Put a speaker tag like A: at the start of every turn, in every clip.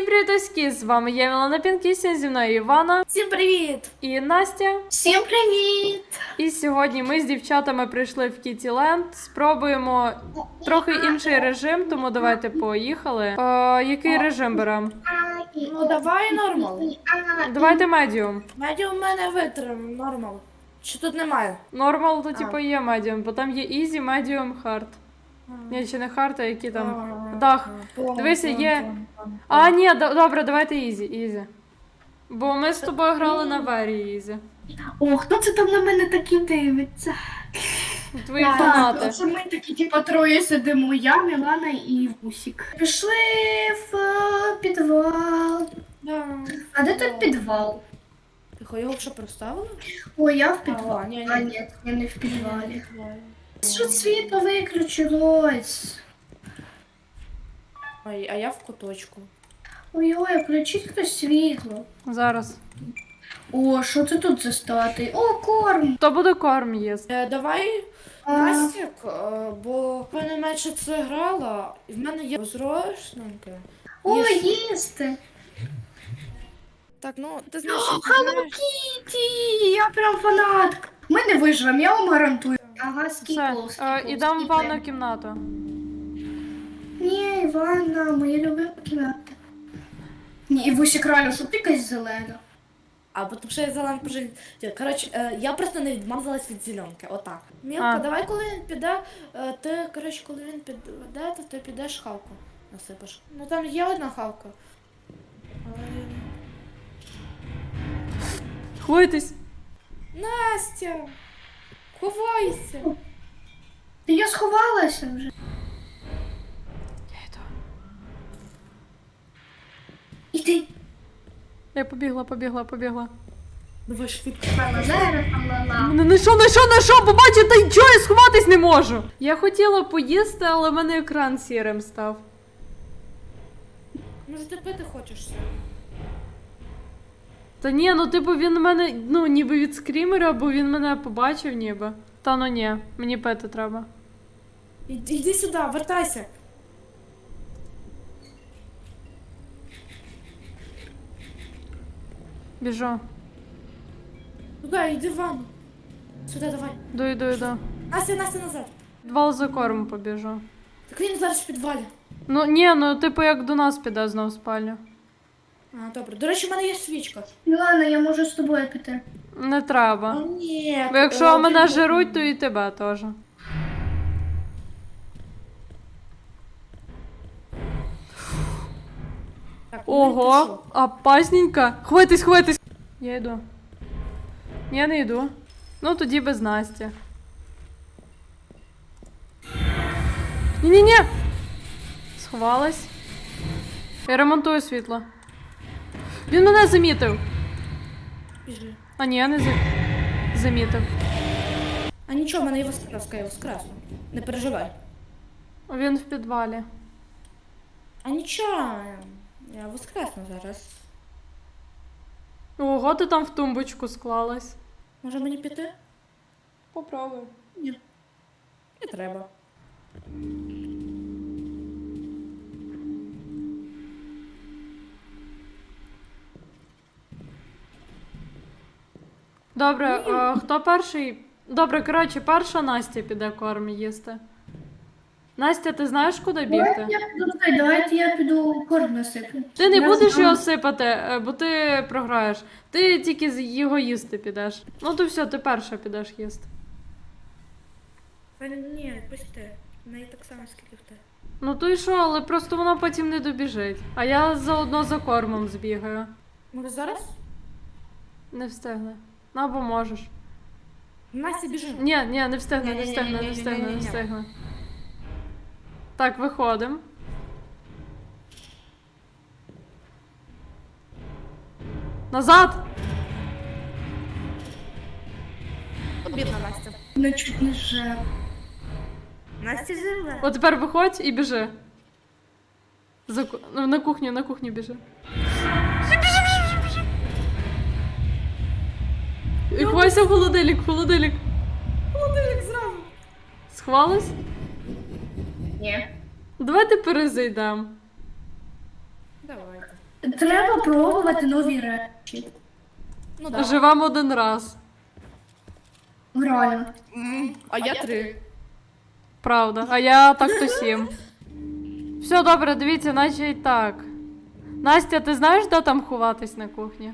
A: Всім привітоські, з вами я, Мілана Пінкісін, зі мною Івана.
B: Всім привіт!
A: І Настя.
B: Всім привіт!
A: І сьогодні ми з дівчатами прийшли в Кіттіленд. Спробуємо трохи інший режим, тому давайте поїхали. Який режим беремо?
B: Ну давай нормал.
A: Давайте медіум.
B: Медіум в мене витримав, нормал. Чи тут немає?
A: Нормал то типу є медіум, бо там є ізі, медіум, хард. Ні, чи не хард, а які там. Дах. Дивися, є. А, ні, добре, давайте ізі. Бо ми з тобою грали на вері ізі.
C: О, хто це там на мене такі дивиться?
A: Твої фанати.
C: Це ми такі, типу, троє сидимо. Я, Мілана і Вусік. Пішли в підвал.
B: Да.
C: А де тут підвал?
B: Тихо, його вже проставили?
C: О, я в підвалі.
B: ні.
C: А, ні, я не в підвалі. Що світло виключилось?
B: Ой, а я в куточку.
C: Ой-ой, включіть хтось світло.
A: Зараз.
C: О, що це тут за стати? О, корм!
A: Хто буде корм їсти?
B: Давай,
C: А,
B: Настік, бо в мене менше це грала, і в мене є розрошненьке.
C: О, їсти!
B: Так, ну, ти знаєш,
C: Hello Kitty! Я прям фанатка. Ми не виживемо, я вам гарантую. Ага,
A: Все,
C: скіпл.
A: ідемо в ванну кімнату.
C: Ні, Івана, моя любима кімната. Ні, і Вусік реально, що ти якась зелена.
B: А потім ще я зелен прожив. Коротше, я просто не відмазалась від зеленки, отак. Мілка,
A: А.
B: давай, коли він піде, ти, коротше, коли він піде, то ти підеш хавку насипаш. Ну там є одна хавка. Але...
A: Хвойтесь.
B: Настя! Ховайся!
C: Та я сховалася вже.
A: Я йду.
C: Іди.
A: Я побігла.
B: Давай швидко.
A: Не знайшов, побачите, нічого, я сховатись не можу. Я хотіла поїсти, але в мене екран сірим став.
B: Може ти пити хочеш?
A: Та ні, ну типу він мене, ніби від скрімера, бо він мене побачив ніби. Та ну ні, мені пити треба.
B: Іди сюди, вертайся.
A: Біжу.
B: Туди, йди в ванну. Сюди, давай.
A: Йду.
B: Настя, назад.
A: Підвал за корм побіжу.
B: Так він зараз в підвалі.
A: Ну ні, типу як до нас піде знов в спальню.
B: А, добре. До речі, в мене є свічка.
C: Мілана, я можу з тобою піти.
A: Не треба.
B: О, ні.
A: Бо якщо мене жируть, то і тебе теж.
B: Так,
A: Ого, опасненько. Хватись. Я йду. Я не йду. Ну тоді без Насті. Ні. Сховалась. Я ремонтую світло. Він мене замітив.
B: Біжи.
A: А ні, я не замітив.
B: А нічого, в мене є воскреска, я воскресну. Не переживай.
A: Він в підвалі.
B: А нічого, я воскресну зараз.
A: Ого, ти там в тумбочку склалась.
B: Може мені піти?
A: Попробуй.
B: Ні. Не треба.
A: Добре, хто перший? Добре, коротше, перша Настя піде корм їсти. Настя, ти знаєш, куди бігти?
C: Давайте я піду корм насиплю.
A: Ти не
C: Я
A: будеш
C: знаю.
A: його сипати, бо ти програєш. Ти тільки його їсти підеш. Ну то все, ти перша підеш їсти.
B: Ні, пусти. В неї так само, скільки в тебе.
A: Ну то і що, але просто вона потім не добіжить. А я заодно за кормом збігаю.
B: Може зараз?
A: Не встигне. Ну або можеш.
B: Настя, біжи.
A: Ні, не встигне, не встигне. Так, виходимо. Назад!
B: Бідна Настя.
C: Не чуть не жер.
B: Настя жива.
A: От тепер виходь і біжи. На кухню біжи. Біжи. І ховайся в холодильник.
B: Холодильник зразу.
A: Сховалась?
C: Ні.
A: Давайте перезайдемо.
B: Давайте.
C: Треба пробувати нові речі.
B: Ну да.
A: Живемо один раз.
C: Реально.
B: А я 3.
A: Правда. А я так то 7. Все добре, дивіться, наче і так. Настя, ти знаєш, де там ховатись на кухні?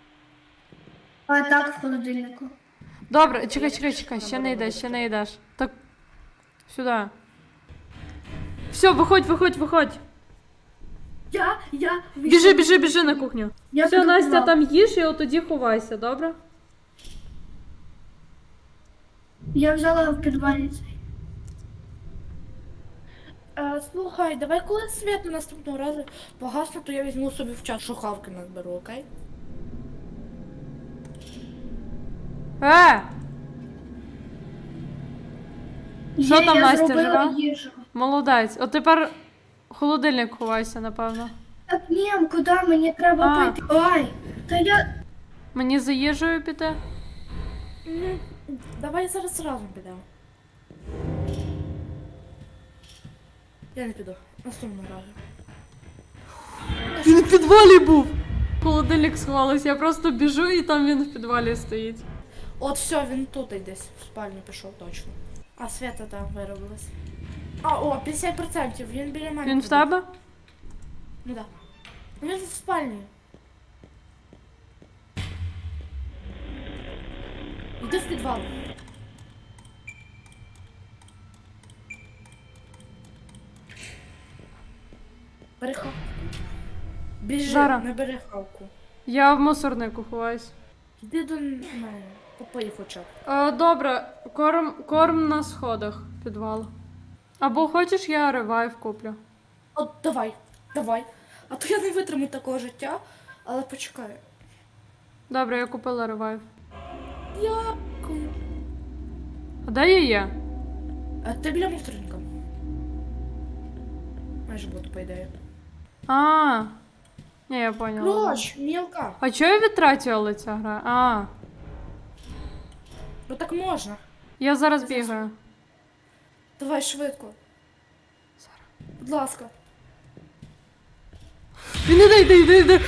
C: А так в холодильнику.
A: Добре, чекай, ще не йдеш. Так. Сюди. Все, виходь.
C: Я
A: Біжи на кухню.
C: Я
A: Все,
C: піду
A: Настя,
C: туди.
A: там їж і от тоді ховайся, добре?
C: Я взяла в підвалі цей.
B: Слухай, давай коли світ наступного разу погасне, то я візьму собі в чашу хавки назберу, окей?
A: Що
C: Є,
A: там,
C: я
A: Настя,
C: зробила
A: жива?
C: їжу.
A: Молодець. От тепер в холодильник ховайся, напевно.
C: Так ні, куди мені треба
A: А.
C: пойти? Ой, та я...
A: Мені за їжею піти?
B: Давай зараз разом підемо. Я не піду. Наступного разу.
A: Він в підвалі був! В холодильник сховалась, я просто біжу і там він в підвалі стоїть.
B: От все, він тут десь в спальню пішов точно. А Свята там виробилась. А, о, 50%, він біля мене.
A: Він в
B: ходить.
A: тебе?
B: Ну да. Ну, він в спальні. Йди в підвал. Бери хавку. Біжи,
A: Зараз.
B: не бери хавку.
A: Я в мусорнику ховаюсь.
B: Йди до мене. Попий хоча б.
A: Добре, корм на сходах підвал. Або хочеш, я ревайв куплю.
B: От давай. А то я не витримаю такого життя, але почекай.
A: Добре, я купила ревайв.
B: Дякую.
A: А де я є?
B: А ти біля мусорника. Майже буду, по ідеї.
A: Ні, я поняла.
B: Проч, мілка.
A: А чого я відтратила ця гра?
B: Ну так можна.
A: Я зараз бігаю.
B: Давай швидко. Будь ласка.
A: Він іде.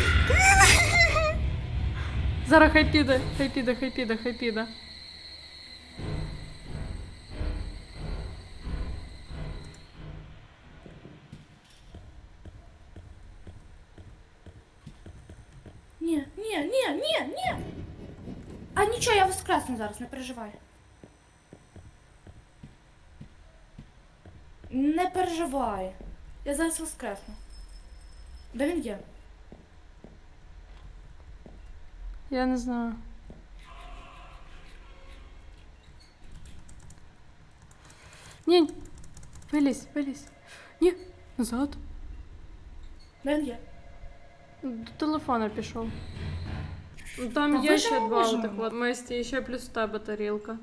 A: Зараз хай піде.
B: Ні. А нічого, я воскресну зараз, не переживай. Не переживай. Я зараз воскресну. Де він є?
A: Я не знаю. Ні. Вилізь. Ні, назад.
B: Де він є?
A: До телефона пішов. Там
B: Та
A: є
B: ви
A: ще
B: ж
A: два
B: можемо.
A: отак от Месті, і ще плюс в тебе тарілка.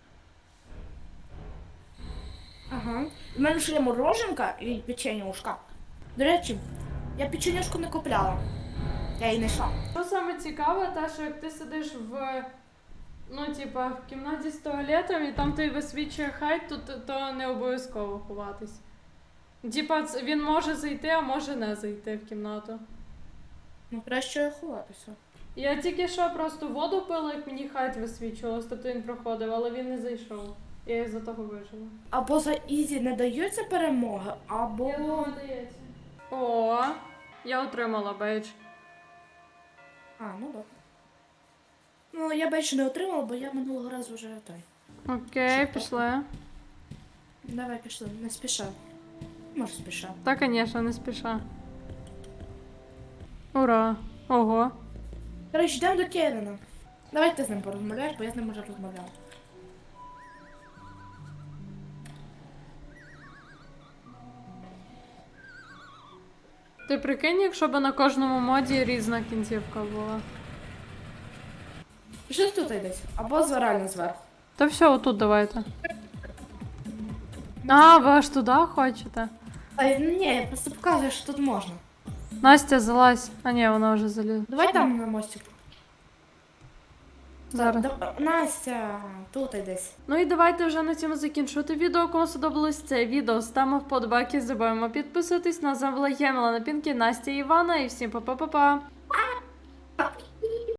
B: Ага. У мене ще є мороженка і печенюшка. До речі, я печенюшку не купляла. Я її не йшла.
A: Що саме цікаве, те, що як ти сидиш в в кімнаті з туалетом, і там ти висвічує хайт, то не обов'язково ховатись. Він може зайти, а може не зайти в кімнату.
B: Ну, краще ховатися.
A: Я тільки що просто воду пила, як мені хайт висвічувалось, тобто він проходив, але він не зайшов. Я із-за того вижила.
B: Або за Ізі не даються перемоги, або...
A: Я думаю, дається. О, я отримала бейдж.
B: А, ну так. Ну, я більше не отримала, бо я минулого разу вже той.
A: Окей, пішли.
B: Давай пішли, не спіша. Може спіша.
A: Та, звісно, не спіша. Ура! Ого.
B: Коротше, йдемо до Кевіна. Давай ти з ним порозмовляєш, бо я з ним вже розмовляла.
A: Ти прикинь, якщо б на кожному моді різна кінцівка була.
B: Що тут йдесь? Або реально зверху.
A: Та все, отут давайте. А, ви аж туди хочете?
B: А, ні, я просто показую, що тут можна.
A: Настя, залазь. А ні, вона вже залізла.
B: Давай там на мостик.
A: Зараз.
B: Настя, тут десь.
A: Ну і давайте вже на цьому закінчувати відео. Кому сподобалось це відео, ставимо вподобайки, забуваємо підписуватись. На вами була я, Мілана Пінкі, Настя і Івана. І всім па-па-па-па.